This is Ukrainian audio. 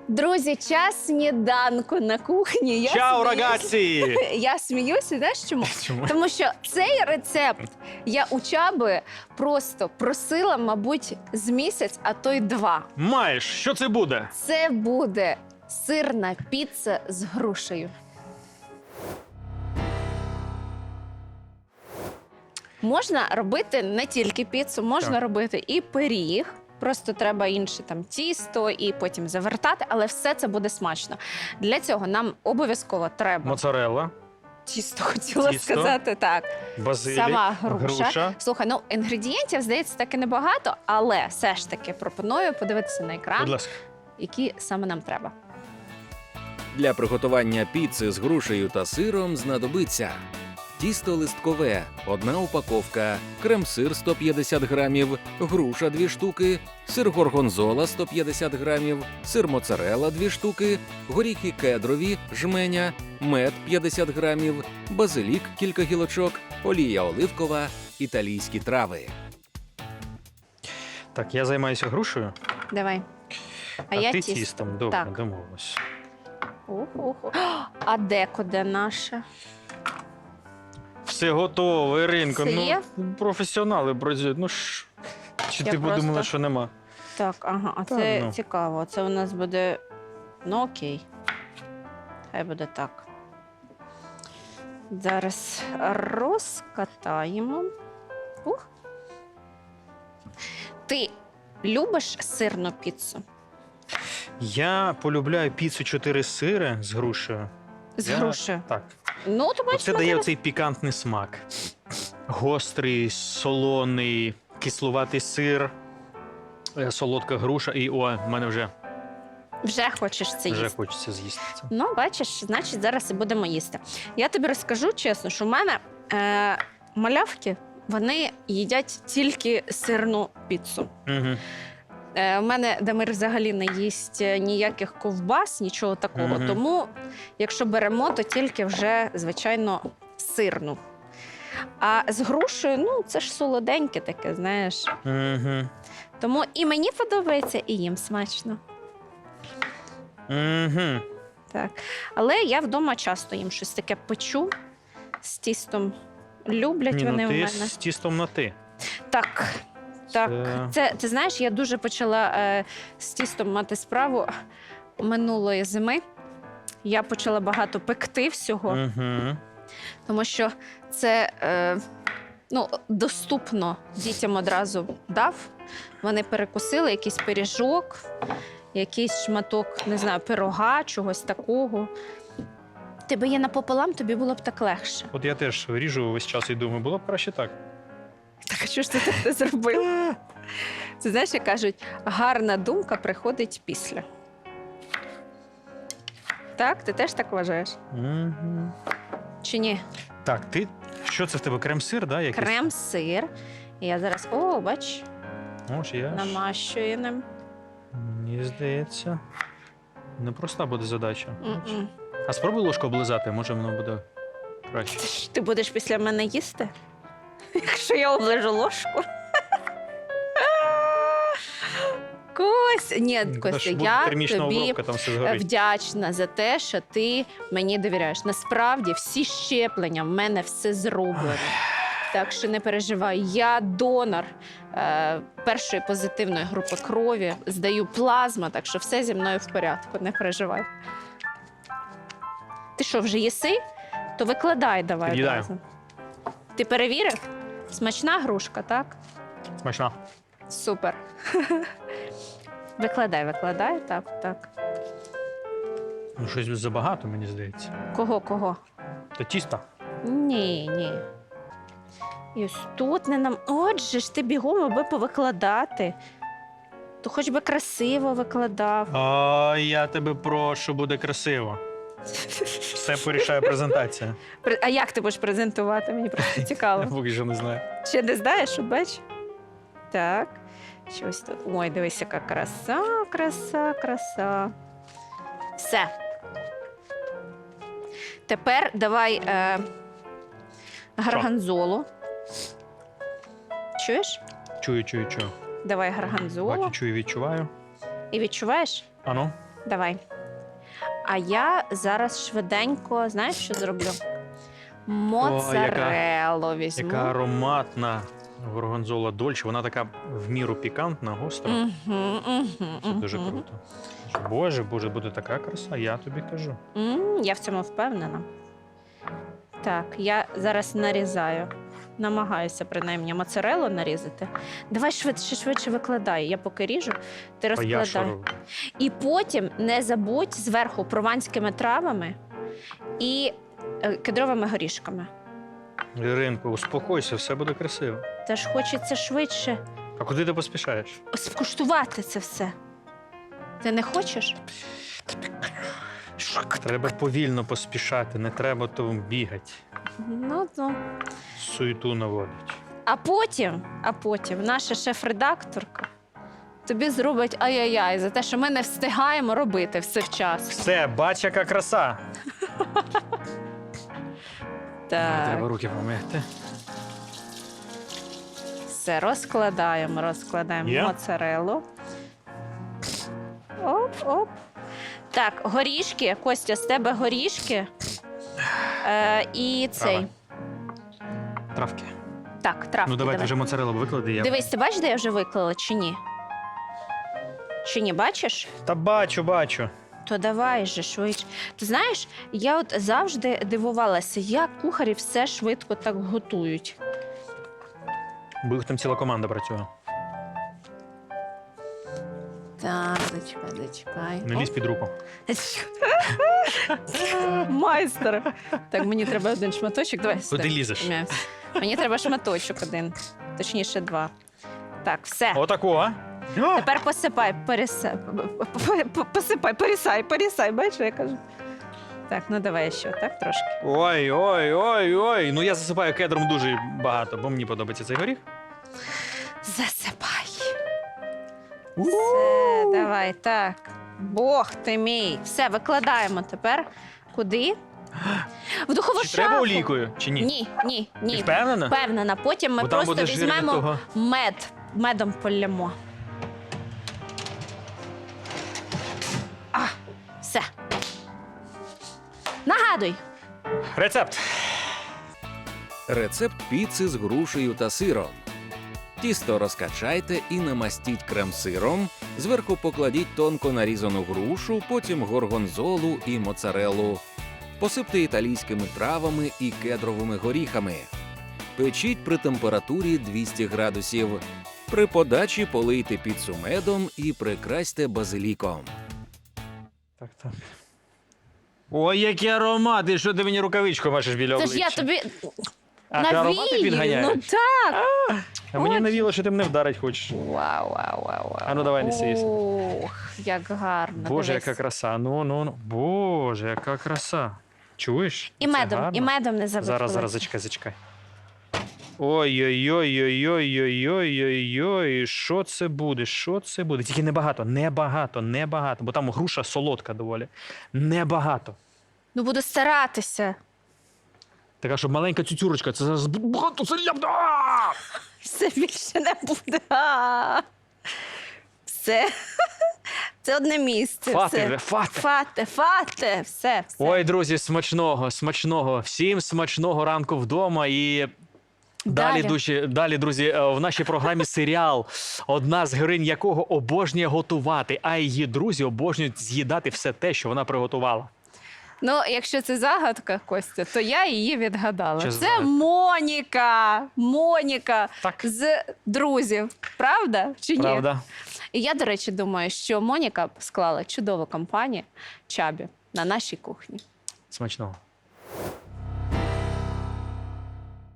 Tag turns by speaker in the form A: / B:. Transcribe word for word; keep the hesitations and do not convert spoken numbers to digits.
A: Друзі, час сніданку на кухні. Я
B: Чао,
A: сміюсь.
B: рагацці!
A: Я сміюся, знаєш чому?
B: Чому?
A: Тому що цей рецепт я у Чаби просто просила, мабуть, з місяць, а то й два.
B: Маєш, що це буде?
A: Це буде сирна піца з грушею. Можна робити не тільки піцу, можна
B: Так.
A: робити і пиріг. Просто треба інше там тісто і потім завертати, але все це буде смачно. Для цього нам обов'язково треба
B: Моцарелла,
A: тісто, хотіла
B: Тісто.
A: сказати так.
B: базилік,
A: Сама груша.
B: груша.
A: Слухай, ну інгредієнтів, здається, таки небагато, але все ж таки пропоную подивитися на
B: Будь
A: екран,
B: ласка.
A: які саме нам треба.
C: Для приготування піци з грушею та сиром знадобиться тісто листкове – одна упаковка, крем-сир сто п'ятдесят грамів, груша дві штуки, сир горгонзола сто п'ятдесят грамів, сир моцарелла дві штуки, горіхи кедрові – жменя, мед п'ятдесят грамів, базилік кілька гілочок, олія оливкова, італійські трави.
B: Так, я займаюся грушею,
A: Давай. А,
B: а,
A: я
B: ти
A: тісто.
B: тістом. Добре,
A: Так.
B: домовились.
A: Ух-ух. А декуди наше?
B: Все готово, Іринко.
A: Все
B: Ну,
A: є?
B: професіонали працюють. Ну ж. Чи
A: Я
B: ти
A: просто-
B: подумала, що нема?
A: Так, ага, а
B: Та
A: це
B: ну.
A: цікаво. Це у нас буде. Ну окей. Хай буде так. Зараз розкатаємо. Ух. Ти любиш сирну піцу?
B: Я полюбляю піцу чотири сири з грушею.
A: З
B: Я-
A: грушею.
B: Так.
A: Ну, то бачиш,
B: Це дає
A: Валерій.
B: цей пікантний смак. Гострий, солоний, кислуватий сир, е, солодка груша. І о, в мене вже,
A: Вже хочеш це
B: вже
A: їсти.
B: хочеться з'їсти це.
A: Ну, бачиш, значить, зараз і будемо їсти. Я тобі розкажу чесно, що в мене е, малявки, вони їдять тільки сирну піцу.
B: Угу.
A: Е, У мене Дамир взагалі не їсть ніяких ковбас, нічого такого.
B: Мгм.
A: Тому, якщо беремо, то тільки вже, звичайно, сирну. А з грушею, ну, це ж солоденьке таке, знаєш.
B: Угу.
A: Тому і мені подобається, і їм смачно.
B: Угу.
A: Так. Але я вдома часто їм щось таке печу з тістом. Люблять
B: Ні,
A: вони
B: ну
A: у
B: ти
A: мене.
B: з тістом на ти.
A: Так. Так,
B: Це-
A: це ти знаєш, я дуже почала е, з тістом мати справу минулої зими. Я почала багато пекти всього,
B: Угу.
A: тому що це е, ну, доступно дітям одразу дав. Вони перекусили якийсь пиріжок, якийсь шматок, не знаю, пирога, чогось такого. Тебе є напополам, тобі було б так легше.
B: От я теж ріжу весь час і думаю, було б краще так.
A: Так, а що ж ти так не зробив? Це знаєш, як кажуть, гарна думка приходить після. Так? Ти теж так вважаєш?
B: Угу.
A: Чи ні?
B: Так, ти. Що це в тебе? Крем-сир, да? Якийсь?
A: Крем-сир. І я зараз, о, бач,
B: Ось я ж.
A: намащую ним.
B: Мені здається. Непроста буде задача.
A: М-м.
B: А спробуй ложку облизати, може воно буде краще.
A: Ти ж- Ти будеш після мене їсти? Якщо я оближу ложку. Кось, ні,
B: Та
A: Костя,
B: ж буде
A: я
B: термічна
A: тобі
B: обробка, там все згорить.
A: вдячна за те, що ти мені довіряєш. Насправді всі щеплення в мене все зроблено. Так що не переживай. Я донор е, першої позитивної групи крові, здаю плазму, так що все зі мною в порядку, не переживай. Ти що, вже їси? То викладай давай.
B: Під'їдаю.
A: одразу. Ти перевірив? Смачна грушка, так?
B: Смачна.
A: Супер. Викладай, викладай, так, так.
B: Ну, щось забагато, мені здається.
A: Кого, кого?
B: Та тіста.
A: Ні, ні. І ось тут не нам. Отже ж ти бігом, аби повикладати. То хоч би красиво викладав.
B: А я тебе прошу, буде красиво. Все порішає презентація.
A: При- А як ти будеш презентувати? Мені просто
B: Я
A: цікаво.
B: поки що не знаю.
A: Ще не знаєш, що бач? Так. Щось тут. Ой, дивись, яка краса, краса, краса. Все. Тепер давай е, гарганзолу. Чуєш?
B: Чую, чую, чую.
A: Давай гарганзолу.
B: Бачу, чую, відчуваю.
A: І відчуваєш?
B: Ану.
A: Давай. А я зараз швиденько, знаєш, що зроблю? Моцареллу візьму.
B: Яка ароматна горгонзола дольче. Вона така в міру пікантна, гостра.
A: Мгм, мгм,
B: Це дуже
A: мгм.
B: круто. Боже, боже, буде така краса, я тобі кажу.
A: М, Я в цьому впевнена. Так, я зараз нарізаю. Намагаюся, принаймні, моцареллу нарізати. Давай швидше, швидше викладай. Я поки ріжу, ти
B: А я що
A: розкладай.
B: роблю?
A: І потім не забудь зверху прованськими травами і е, кедровими горішками.
B: Іринко, успокойся, все буде красиво.
A: Теж хочеться швидше
B: А куди ти поспішаєш?
A: скуштувати це все. Ти не хочеш?
B: Треба повільно поспішати, не треба то бігати.
A: Ну, ну.
B: Суету наводить.
A: А потім, а потім наша шеф-редакторка тобі зробить ай-яй-яй за те, що ми не встигаємо робити все вчасно.
B: Все, бач, яка краса.
A: Так,
B: Треба руки помити.
A: все, розкладаємо, розкладаємо
B: Є?
A: моцареллу. Оп, оп. Так, горішки, Костя, з тебе горішки. Е, і цей.
B: Трава. Травки.
A: Так, травки.
B: Ну давайте
A: давай.
B: вже моцареллу виклади. Я...
A: Дивись, ти бачиш, де я вже виклала, чи ні? Чи ні, бачиш?
B: Та бачу, бачу.
A: То давай же швидше. Ти знаєш, я от завжди дивувалася, як кухарі все швидко так готують.
B: Бо їх там ціла команда працює.
A: Так, зачекай, зачекай.
B: Не лізь під руку.
A: Майстер. Так, мені треба один шматочок. Давай.
B: Куди
A: стой.
B: лізеш?
A: М'яс. Мені треба шматочок один. Точніше, два. Так, все.
B: Отаку, а? О!
A: Тепер посипай, пересай. Посипай, пересай, пересай. Бачиш, що я кажу? Так, ну давай ще, так, трошки.
B: Ой, ой, ой, ой. Ну я засипаю кедром дуже багато, бо мені подобається цей горіх.
A: Засипай. Все, давай, так. Бог ти мій. Все, викладаємо тепер. Куди? В духову
B: Чи
A: шафу.
B: треба олійкою, чи ні?
A: Ні, ні,
B: Ти
A: ні.
B: впевнена?
A: Впевнена. Потім ми
B: Бо там
A: просто
B: буде жир від
A: візьмемо
B: того.
A: мед. Медом полямо. А, все. Нагадуй.
B: Рецепт.
C: Рецепт піци з грушею та сиром. Тісто розкачайте і намастіть крем-сиром. Зверху покладіть тонко нарізану грушу, потім горгонзолу і моцареллу. Посипте італійськими травами і кедровими горіхами. Печіть при температурі двісті градусів. При подачі полийте піцу медом і прикрасьте базиліком.
B: Так, так. Ой, який аромат! І що ти мені рукавичку бачиш біля
A: Це
B: обличчя?
A: ж я тобі
B: А ти аромати
A: навію.
B: підганяєш?
A: Ну так.
B: А мені
A: Ой.
B: навіло, що ти мене вдарить хочеш.
A: Вау, вау, вау, вау.
B: А ну, давай, неси, неси.
A: Ох, як гарно.
B: Боже,
A: дивись.
B: яка краса. Ну, ну, ну. Боже, яка краса. Чуєш?
A: І
B: Це
A: медом,
B: гарно.
A: і медом не забудь.
B: Зараз, зараз, зачекай, зачекай. Ой-ой-ой-ой-ой-ой-ой-ой-ой. Що це буде? Що це буде? Тільки небагато, небагато, небагато. Бо там груша солодка доволі. Небагато.
A: Ну буду старатися.
B: Така, щоб маленька цюцюрочка, це зараз багато це ляпне. А!
A: Все більше не буде. А! Все. Це одне місце.
B: Фати
A: все.
B: вже, фати.
A: Фате, фате, все, все.
B: Ой, друзі, смачного, смачного. Всім смачного ранку вдома і. Далі,
A: Далі.
B: душі, далі, друзі, е, в нашій програмі серіал, одна з героїнь якого обожнює готувати, а її друзі обожнюють з'їдати все те, що вона приготувала.
A: Ну, якщо це загадка, Костя, то я її відгадала.
B: Що
A: Це
B: за загадка?
A: Моніка. Моніка
B: Так.
A: з друзів. Правда чи ні?
B: Правда?
A: І я, до речі, думаю, що Моніка склала чудову компанію Чабі на нашій кухні.
B: Смачного.